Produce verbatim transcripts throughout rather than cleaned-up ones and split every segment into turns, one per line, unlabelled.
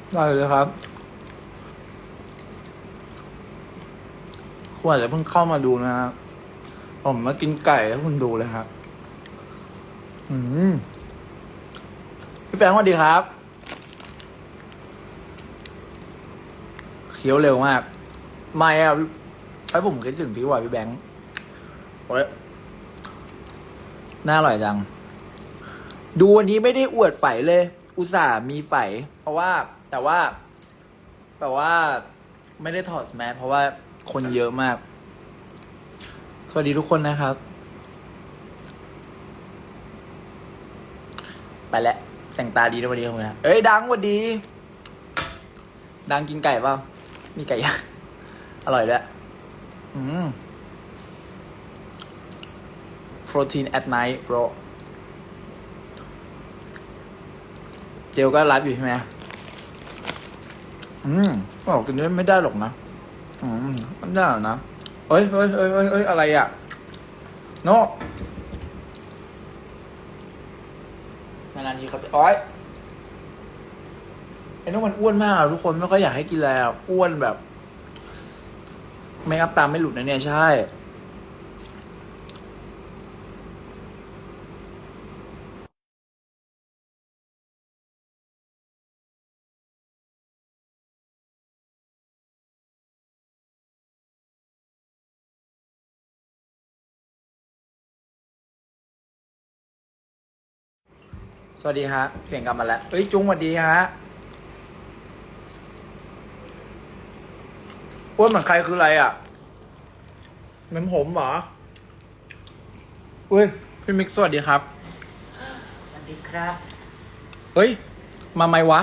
ได้เลยครับคุณอาจจะเพิ่งเข้ามาดูนะครับผมมากินไก่ให้คุณดูเลยครับอืมพี่แฟรงค์สวัสดีครับเคี้ยวเร็วมากไม่อะไอ้ผมคิดถึงพี่ว่าพี่แบงค์โอ้ยน่าอร่อยจังดูวันนี้ไม่ได้อวดไฝเลย อุตส่าห์มีไฝเพราะว่าแต่ว่าแต่ว่าไม่ได้ถอดแมสเพราะว่าคนเยอะมากสวัสดีทุกคนนะครับไปแล้วแต่งตาดีนะวันนี้ครับนะเอ้ยดังวันดีดังกินไก่เปล่ามีไก่ย่างอร่อยด้วยอืม protein at night bro เจลก็ไลฟ์อยู่ใช่ไหมอืมบอกกินไม่ได้หรอกนะอืมมันได้หรอนะเอ้ยเอ้ยเอ้ยเอ้ยเอ้ยอะไรอ่ะโนนานๆทีเขาจะอ้อยไอ้โน่มันอ้วนมากทุกคนไม่ค่อยอยากให้กินแล้วอ้วนแบบไม่อัพตามไม่หลุดนะเนี่ยใช่สวัสดีฮะเสียงกลับมาแล้วเฮ้ยจุ้งสวัสดีฮะอ้วนเหมือนใครคืออะไรอ่ะเหมือนผมเหรออุ้ยพี่มิกซ์สวัสดีครับ
สวัสดีครับ
เฮ้ยมาไหมวะ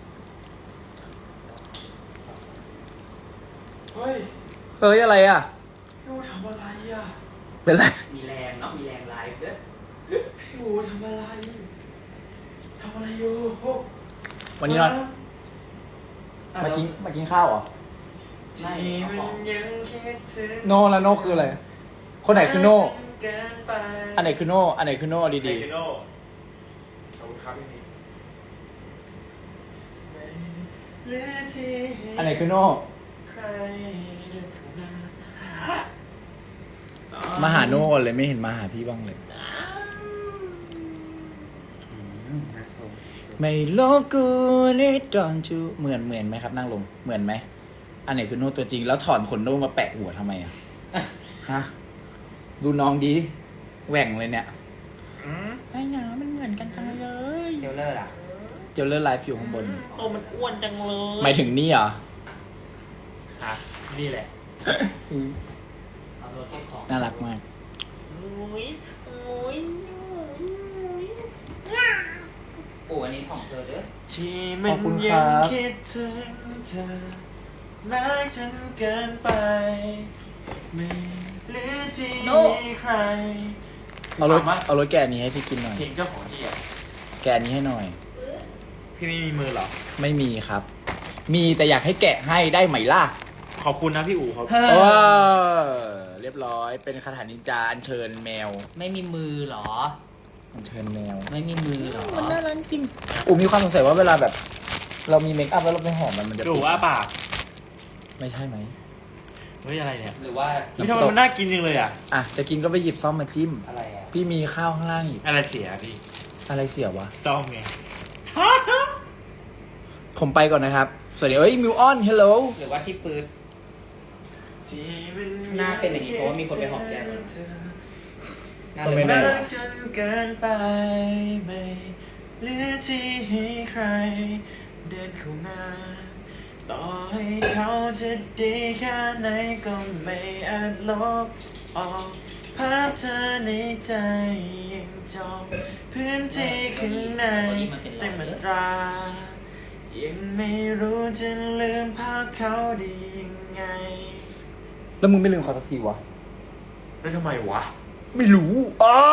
เฮ้ย
เฮ้ยอะไรอ่ะ
พี่อูทำอะไรอ่ะ
เป็นไร
มีแรงเนาะมีแรงไลฟ์ด้วย
พี่อูทำอะไรทำอะไรอยู่
วันนี้นอนมากินมากินข้าวเหรอ
ที่มันยังคิดถึง
โน่แล้วโน่คืออะไรคนไหนคือโน่
เกินไป
อันไหนคือโน่อันไหนคือโน่ดี
ใครคือโน่ขอบคุณครับพี่นี่เหลือที่
ๆอันไหนคือโน่
ใครเดินเข้ามา
มาหาโน่ก่อนเลยไม่เห็นมาหาพี่บ้างเลย
น่าสงสาร
ไม่ลบกูนี่ดอนจูเหมือนเหมือนไหมครับนั่งลงเหมือนไหมอันไหนคือโน่ตัวจริงแล้วถอนขนโน่มาแปะหัวทำไมอ่ะฮะดูน้องดีแหว่งเลยเนี่ย
อืม
ไอ้หนามันเหมือนกันจังเลย
เจลเลอร์ล่ะ
เจลเลอร์ไลฟ์อยู่ข้างบน
โอ้มันอ้วนจังเลย
หมายถึงนี่เหรอ
อ่ะนี่แหละ
เอาตัวเก็บของ
น่ารักมาก
อุ้ยอุ้ยอุ้ยอุ้ย
โอ้อันนี้ของเธอเด้อ
ที่มันยังคิดถึงเธอรักจนเกินไปไม่เหลือที่มีใคร
เอารถเอารถแกะอันนี้ให้พี่กินหน่อย
เพลงเจ้าของที่อ่ะ
แกะอันนี้ให้หน่อย
พี่ไม่มีมือเหรอ
ไม่มีครับ มีแต่อยากให้แกะให้ได้ไหมล่ะ
ขอบคุณนะพี่อู๋ครับ
เฮ้
เออ
อ
เรียบร้อยเป็นคาถานินจาอัญเชิญแมว
ไม่มีมือเหรอ
อัญเชิญแมว
ไม่มีมือเหรอ
มันน่ารักจริงอูมีความสงสัยว่าเวลาแบบ เรามีเมคอัพแล้วเราไปหอมมันมันจะ
พี่อู๋ว่าปาก
ไม่ใช่ไหม
เฮ้ยอะไรเนี่ย
หรือว่า
พี่ทำไมมันน่ากินจังเลยอ่ะ
อ่ะจะกินก็ไปหยิบซ่อมมาจิ้ม
อะไรอ่ะ
พี่มีข้าวข้างล่างอีก
อะไรเสียพี่
อะไรเสียวะ
ซ่อมไง
ผมไปก่อนนะครับ สวัสดีเอ้ยมิวออนเฮลโล
หรือว่าที่ปืด
ที่มั
หน้าเป็นอย่างนี้เพราะว่ามีคนไปหอมแก้มมัน น่า
ก็
เล
ไม่
ย
แน่
รักจนเกินไปไม่เหลือที่ให้ใคร เดินเข้ามาต่อให้เขาจะดีแค่ไหนก็ไม่อาจลบออกภาพเธอในใจยังจองพื้นที่ข้างในเต็มอัตรา ยังไม่รู้จะลืมภาพเขาได้ยังไง
แล้วมึงไม่ลืมเขาสักทีวะ
แล้วทำไมวะ
ไม่รู้อ๋อ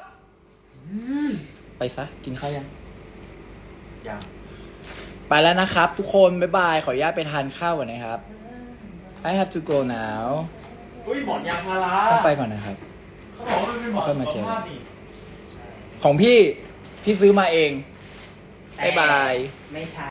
ไปซะ กินข้าวยัง
ยัง
ไปแล้วนะครับทุกคนบ๊ายบาย ขออนุญาตไปทานข้าวก่อนนะครับ I have to go now
อุ้ยหมอนยางพารา
ต้องไปก่อนนะครับ
เขาบอกว่ามันเป็นหมอน
ค่อยมาเจอ
สุขภาพนี่
ของพี่ พี่ซื้อมาเอง บ๊ายบาย
ไม่ใช่